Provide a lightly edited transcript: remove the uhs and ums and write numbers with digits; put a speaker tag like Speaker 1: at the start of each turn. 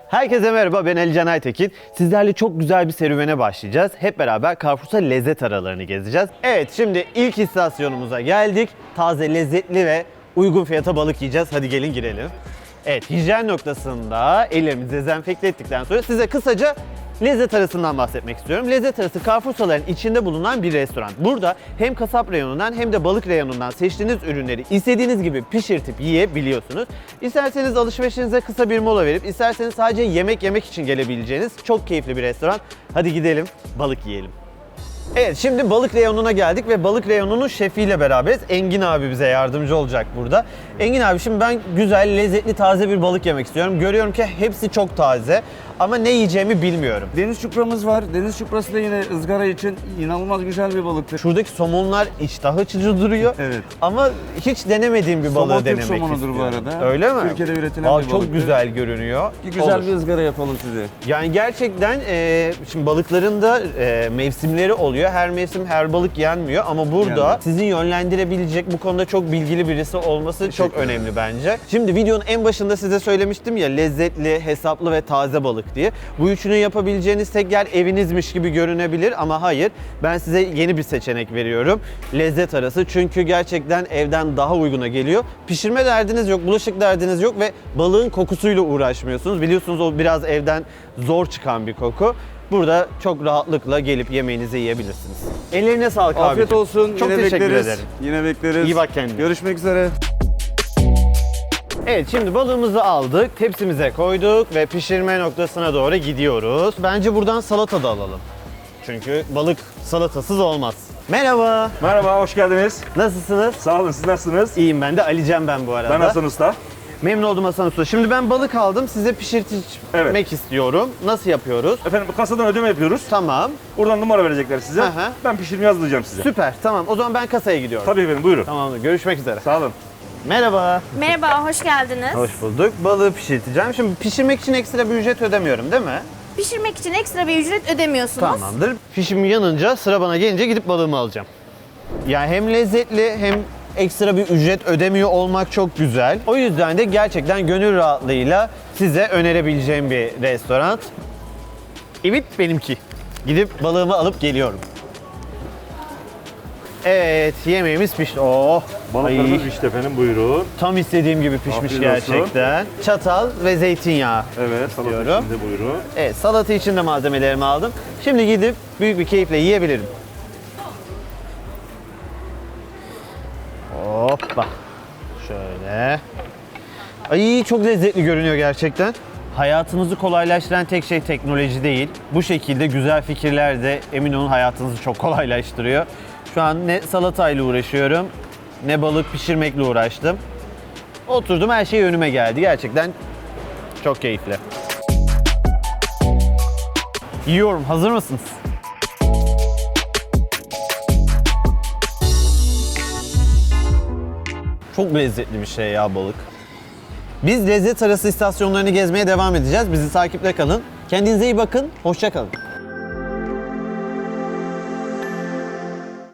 Speaker 1: Herkese merhaba, ben Ali Can Aytekin. Sizlerle çok güzel bir serüvene başlayacağız. Hep beraber Carrefour'sa lezzet aralarını gezeceğiz. Evet, şimdi ilk istasyonumuza geldik. Taze, lezzetli ve uygun fiyata balık yiyeceğiz. Hadi gelin girelim. Evet, hijyen noktasında ellerimizi dezenfekte ettikten sonra size kısaca lezzet arasından bahsetmek istiyorum. Lezzet arası Carrefour'saların içinde bulunan bir restoran. Burada hem kasap reyonundan hem de balık reyonundan seçtiğiniz ürünleri istediğiniz gibi pişirtip yiyebiliyorsunuz. İsterseniz alışverişinize kısa bir mola verip isterseniz sadece yemek yemek için gelebileceğiniz çok keyifli bir restoran. Hadi gidelim balık yiyelim. Evet, şimdi balık reyonuna geldik ve balık reyonunun şefiyle beraberiz. Engin abi bize yardımcı olacak burada. Engin abi, şimdi ben güzel, lezzetli, taze bir balık yemek istiyorum. Görüyorum ki hepsi çok taze ama ne yiyeceğimi bilmiyorum.
Speaker 2: Deniz çupramız var. Deniz çuprası da yine ızgara için inanılmaz güzel bir balıktır.
Speaker 1: Şuradaki somonlar iştah açıcı duruyor.
Speaker 2: Evet.
Speaker 1: Ama hiç denemediğim bir balığı
Speaker 2: Somon Türk
Speaker 1: denemek
Speaker 2: somonudur
Speaker 1: istiyorum.
Speaker 2: bu arada.
Speaker 1: Öyle mi?
Speaker 2: Türkiye'de üretilen bir balıktır.
Speaker 1: Çok güzel görünüyor.
Speaker 2: Güzel
Speaker 1: Olur.
Speaker 2: bir ızgara yapalım size.
Speaker 1: Yani gerçekten şimdi balıkların da mevsimleri oluyor. Her mevsim her balık yenmiyor ama burada
Speaker 2: Yani.
Speaker 1: sizi yönlendirebilecek, bu konuda çok bilgili birisi olması çok önemli bence. Şimdi videonun en başında size söylemiştim ya, lezzetli, hesaplı ve taze balık diye. Bu üçünü yapabileceğiniz tek yer evinizmiş gibi görünebilir ama hayır. Ben size yeni bir seçenek veriyorum. Lezzet arası, çünkü gerçekten evden daha uyguna geliyor. Pişirme derdiniz yok, bulaşık derdiniz yok ve balığın kokusuyla uğraşmıyorsunuz. Biliyorsunuz o biraz evden zor çıkan bir koku. Burada çok rahatlıkla gelip yemeğinizi yiyebilirsiniz. Ellerine sağlık abi.
Speaker 2: Afiyet olsun.
Speaker 1: Çok
Speaker 2: Yine
Speaker 1: teşekkür
Speaker 2: bekleriz.
Speaker 1: ederim.
Speaker 2: Yine bekleriz.
Speaker 1: İyi bak kendine.
Speaker 2: Görüşmek üzere.
Speaker 1: Evet, şimdi balığımızı aldık, tepsimize koyduk ve pişirme noktasına doğru gidiyoruz. Bence buradan salata da alalım. Çünkü balık salatasız olmaz. Merhaba.
Speaker 3: Merhaba, hoş geldiniz.
Speaker 1: Nasılsınız?
Speaker 3: Sağ olun, siz nasılsınız?
Speaker 1: İyiyim ben de. Ali Can ben bu arada.
Speaker 3: Ben Hasan Usta.
Speaker 1: Memnun oldum Hasan Usta. Şimdi ben balık aldım, size pişirtmek
Speaker 3: Evet.
Speaker 1: istiyorum. Nasıl yapıyoruz?
Speaker 3: Efendim kasadan ödeme yapıyoruz.
Speaker 1: Tamam.
Speaker 3: Buradan numara verecekler size.
Speaker 1: Aha.
Speaker 3: Ben pişirme yazdıracağım size.
Speaker 1: Süper. Tamam. O zaman ben kasaya gidiyorum.
Speaker 3: Tabii efendim, buyurun.
Speaker 1: Tamamdır. Görüşmek üzere.
Speaker 3: Sağ olun.
Speaker 1: Merhaba.
Speaker 4: Merhaba, hoş geldiniz.
Speaker 1: Hoş bulduk. Balığı pişirteceğim. Şimdi pişirmek için ekstra bir ücret ödemiyorum, değil mi?
Speaker 4: Pişirmek için ekstra bir ücret ödemiyorsunuz.
Speaker 1: Tamamdır. Fişim yanınca, sıra bana gelince gidip balığımı alacağım. Yani hem lezzetli hem ekstra bir ücret ödemiyor olmak çok güzel. O yüzden de gerçekten gönül rahatlığıyla size önerebileceğim bir restoran. Evet, benimki. Gidip balığımı alıp geliyorum. Evet, yemeğimiz pişti. Oh!
Speaker 3: Balıklarımız
Speaker 1: Ay,
Speaker 3: pişti efendim, buyurun.
Speaker 1: tam istediğim gibi pişmiş
Speaker 3: Afiyet olsun.
Speaker 1: gerçekten. Çatal ve zeytinyağı.
Speaker 3: Evet, salata
Speaker 1: Diyorum.
Speaker 3: içinde buyurun.
Speaker 1: Evet, salata için de malzemelerimi aldım. Şimdi gidip büyük bir keyifle yiyebilirim. Hoppa. Şöyle. Ay, çok lezzetli görünüyor gerçekten. Hayatımızı kolaylaştıran tek şey teknoloji değil. Bu şekilde güzel fikirler de emin olun hayatınızı çok kolaylaştırıyor. Şu an ne salatayla uğraşıyorum, ne balık pişirmekle uğraştım. Oturdum, her şey önüme geldi. Gerçekten çok keyifli. Yiyorum. Hazır mısınız? Çok lezzetli bir şey ya balık. Biz lezzet arası istasyonlarını gezmeye devam edeceğiz. Bizi takipte kalın. Kendinize iyi bakın. Hoşça kalın.